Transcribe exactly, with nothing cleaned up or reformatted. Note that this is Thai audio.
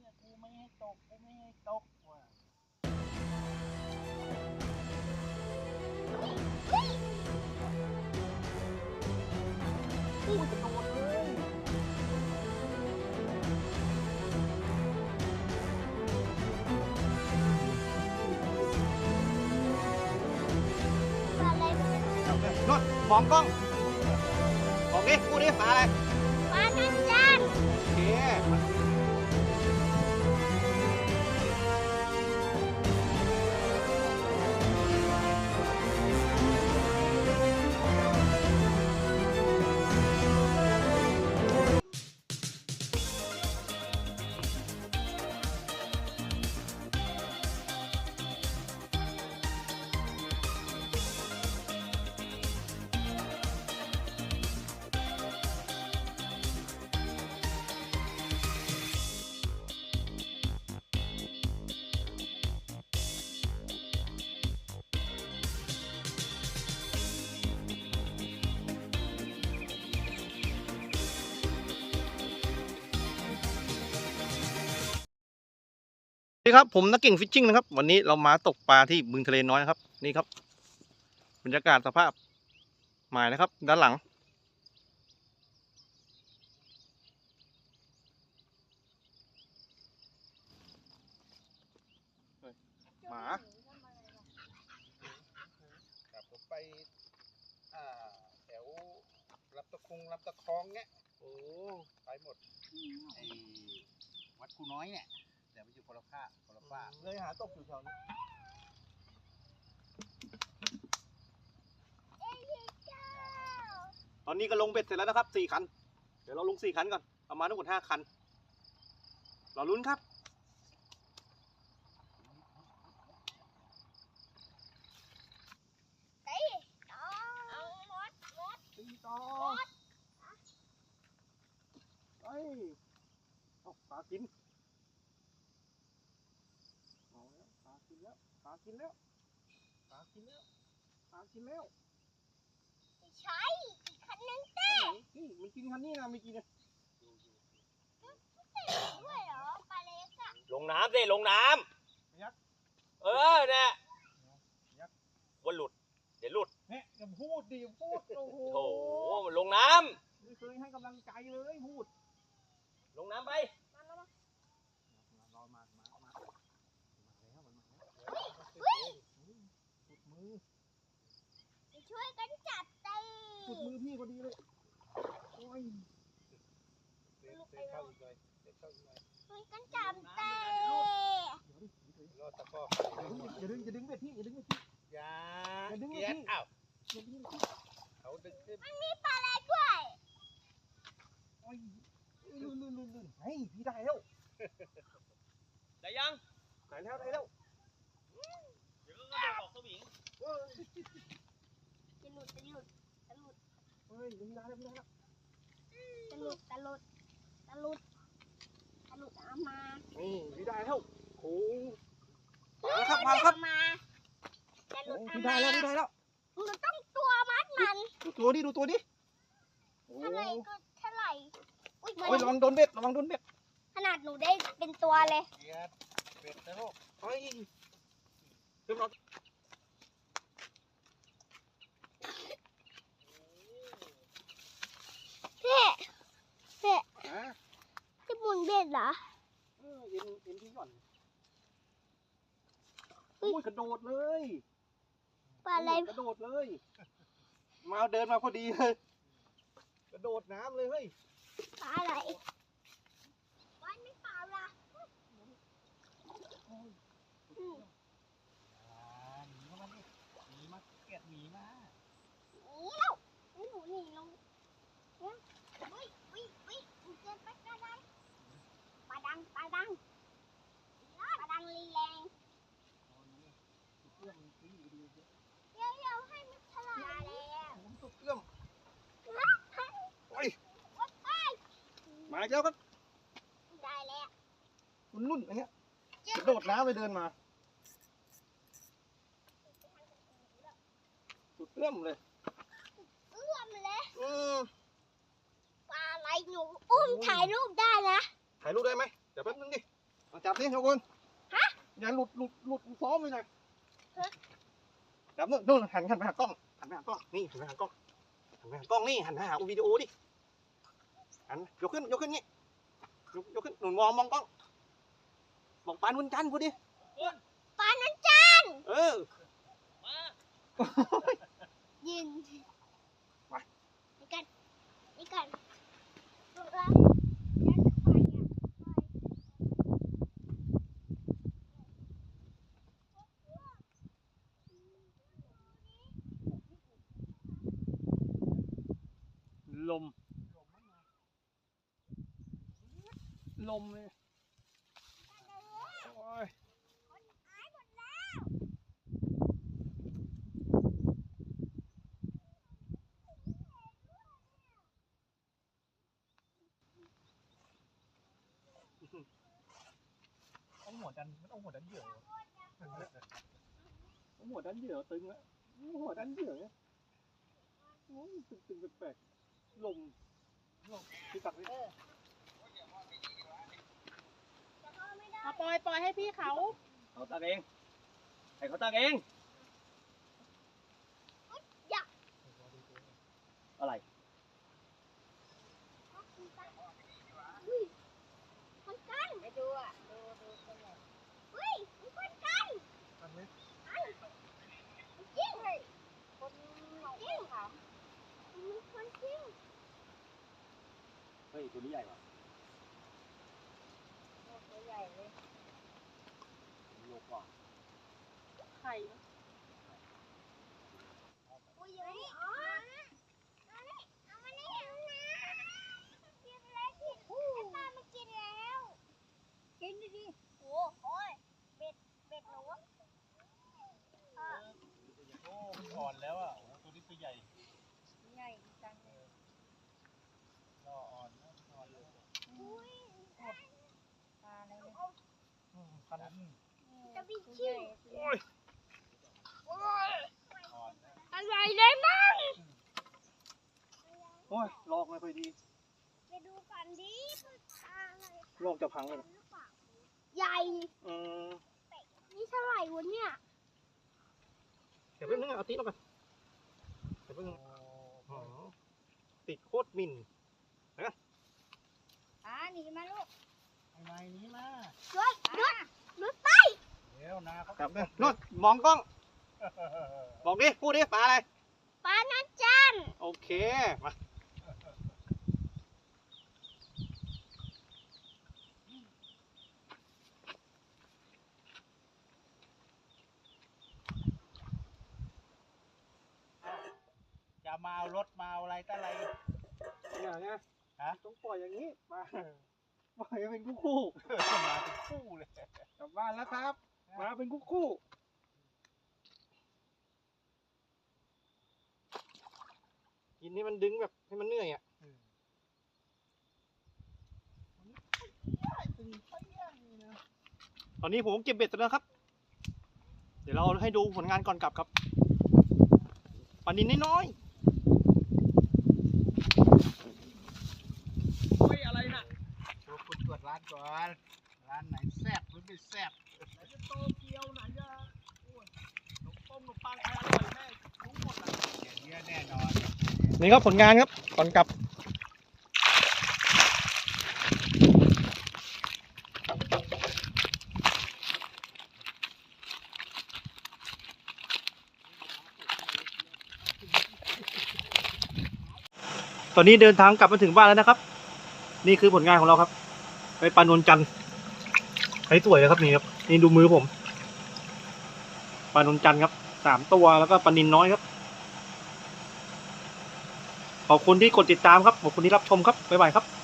กูไม่ให้ตกกูไม่ให้ตกว่ะกูจะโดนเลยนดมองกล้องมองดิกูดิปลาอะไรปลาจันจันโอเคนี่ครับผมนักเก่งฟิชชิ่งนะครับวันนี้เรามาตกปลาที่บึงทะเลน้อยนะครับนี่ครับบรรยากาศสภาพหมายนะครับด้านหลังหมาครับผมไปอ่าแถวรับตะคงรับตะคองเงี้ยโอ้ไปหมดไอ้วัดคูน้อยเนี่ยแต่มันอยู่คนละภาคคนละภาคเลยหาตกอยู่แถวนี้ตอนนี้ก็ลงเบ็ดเสร็จแล้วนะครับสี่คันเดี๋ยวเราลงสี่คันก่อนประมาณทั้งหมดห้าคันรอลุ้นครับตีต่อเฮ้ยเอาปลากินเอาแล้วปลากินแล้วปลากินแล้วปลากินแล้วปลากินแล้วไม่ใช่อีกคันนึงเต้นี่มันกินคันนี้นะไม่กินนะด้วยเหรอปลาเล็กอะลงน้ำสิลงน้ำเออเนี่ยวันหลุดเดี๋ยวหลุดเนี่ยอย่าพูดดิพูดโอ้โหโอ้โหมันลงน้ำไม่เคยให้กำลังใจเลยพูดลงน้ำไปมามามารอมามามามาแล้วมันมาแล้วสุดมือช่วยกันจับตีสุดมือพี่พอดีเลยโอ้ยเด็กเข้าอีกเลยเด็กเข้าอีกเลยช่วยกันจับตีรอดตะก้ออย่าดึงอย่าดึงเบ็ดพี่อย่าดึงเบ็ดพี่อย่าดึงเบ็ดพี่อ้าวเขาดึงขึ้นมันมีปลาอะไรด้วยโอ้ยลื่นลื่นลื่นลื่นเฮ้ยพี่ได้แล้วได้ยังได้แล้วได้แล้วเดี๋ยวก็กระโดดออกสวิงจะหลุดจะหลุดจะหลุดเฮ้ยพี่ได้แล้วพี่ได้แล้วจะหลุดจะหลุดจะหลุดจะหลุดเอามานี่พี่ได้แล้วโอ้มาครับมาครับมาจะหลุดพี่ได้แล้วพี่ได้แล้วมันต้องตัวมัดมันดูตัวดิดูตัวดิเท่าไหร่ก็เท่าไหร่อุ้ยระวังโดนเบ็ดระวังโดนเบ็ดขนาดหนูได้เป็นตัวเลยเบ็ดนะลูกเฮ้ยขึ้นมาเพ่เพ่จะหมุนเบ็ดเหรอเออเอ็นเอ็นที่ก่อนอุ้ยกระโดดเลยปลาอะไรกระโดดเลยมาเดินมาพอดีเลยกระโดดน้ำเลยเฮ้ยปลาอะไรวันไม่เปล่าละหนีเข้ามาดิหนีมาเกลียดหนีมาหนีแล้วหนูหนีลงเนี่ยวิ่งวิ่งวิ่งเกินไปก็ได้ปลาดังปลาดังปลาดังรีแรงเดี๋ยวเดี๋ยวให้มันฉลาดแล้วผมตกเอื้อมโอ้ยมาแล้วครับได้แล้วรุ่นรุ่นอันเนี้ยกระโดดน้ำไปเดินมาสุดเอื้อมเลยเอื้อมเลยอืมปลาอะไรหนูอุ้มถ่ายรูปได้นะถ่ายรูปได้ไหมเดี๋ยวแป๊บนึงดิมาจับนี่ทุกคนฮะอย่าหลุดหลุดหลุดซ้อมไปหน่อยจับนู่นนู่นหันหันไปหากล้องหันไปหากล้องนี่หันไปหากล้องหันไปหากล้องนี่หันไปหาวิดีโอดิหันยกขึ้นยกขึ้นงี้ยกยกขึ้นหนุนมองมองกล้องบอกปานวันจันทร์พูดดิปานันจันเออยืนไปนี่กันนี่กันดูละลมลมเลยโอ้ยเอาหัวดันมันเอาหัวดันเหยื่อเอาหัวดันเหยื่อตึงแล้วหัวดันเหยื่อเนี่ยโอ้ยตึงตึงแปลกๆลมลมพี่ตักดิเอาปล่อยปล่อยให้พี่เขาเขาตักเองให้เขาตักเองอะไรคนกันไปดูอ่ะดูดูคนไหนเฮ้ยมีคนกันทำไหมจริงเลยคนจริงค่ะมีคนจริงเฮ้ยตัวนี้ใหญ่กว่าตัวใหญ่เลยโลกว่าไข่อุ้ยอย่างนี้อ๋อเอาเลยเอามาเลยเอานะกินแล้วกินไอ้ปลามากินแล้วกินดิดิโอ้โอ้ยเบ็ดเบ็ดหนูอ่ะโอ้มันอ่อนแล้วอ่ะโอ้โหตัวนี้ตัวใหญ่ใหญ่จังเลยก็อ่อนนะอ่อนเลยอุ้ยปลาอะไรเนี่ยอืมพันอืมจะไปชิวโอ้ยอ่อนนะอะไรได้มั่งโอ้ยลอกไม่ค่อยดีไปดูก่อนดิอะไรลอกจะพังเลยใหญ่อืมนี่เท่าไหร่วะเนี่ยเดี๋ยวแป๊บนึงเอาติ๊กลงไปเดี๋ยวแป๊บนึงอ๋อติดโคตรมินอ่าหนีมาลูกไอ้ไม้นี้มาหยุดหยุดหยุดไปเดี๋ยวนาเขาจับเลยนู่นมองกล้อง บอกดิ พูดดิ ปลาอะไรปลานันจันโอเค มาจะมาเอารถมาเอาอะไรก็อะไรอย่างเงี้ยฮะต้องปล่อยอย่างนี้ มา ปล่อยให้เป็นคู่คู่มาเป็นคู่เลยๆกลับบ้านแล้วครับ มาเป็นคู่คู่ๆกินนี่มันดึงแบบให้มันเหนื่อยอ่ะ ตอนนี้ผมเก็บเบ็ดเสร็จแล้วครับ เดี๋ยวเราให้ดูผลงานก่อนกลับครับปลานินน้อยๆโอ้ยอะไรน่ะโชว์คุณตรวจร้านก่อน ร้านไหนแซ่บหรือไม่แซ่บไหนจะโตเกียวไหนจะโอ้ยขนมต้มขนมปังใครอร่อยแม่รู้หมดอ่ะอย่างเงี้ยแน่นอนนี่ครับผลงานครับก่อนกลับ ตอนนี้เดินทางกลับมาถึงบ้านแล้วนะครับ นี่คือผลงานของเราครับ ไปปลานวลจันทร์ใช้สวยเลยครับนี่ครับนี่ดูมือผมปลานวลจันทร์ครับสามตัวแล้วก็ปลานินน้อยครับ ขอบคุณที่กดติดตามครับ ขอบคุณที่รับชมครับ บ๊ายบายครับ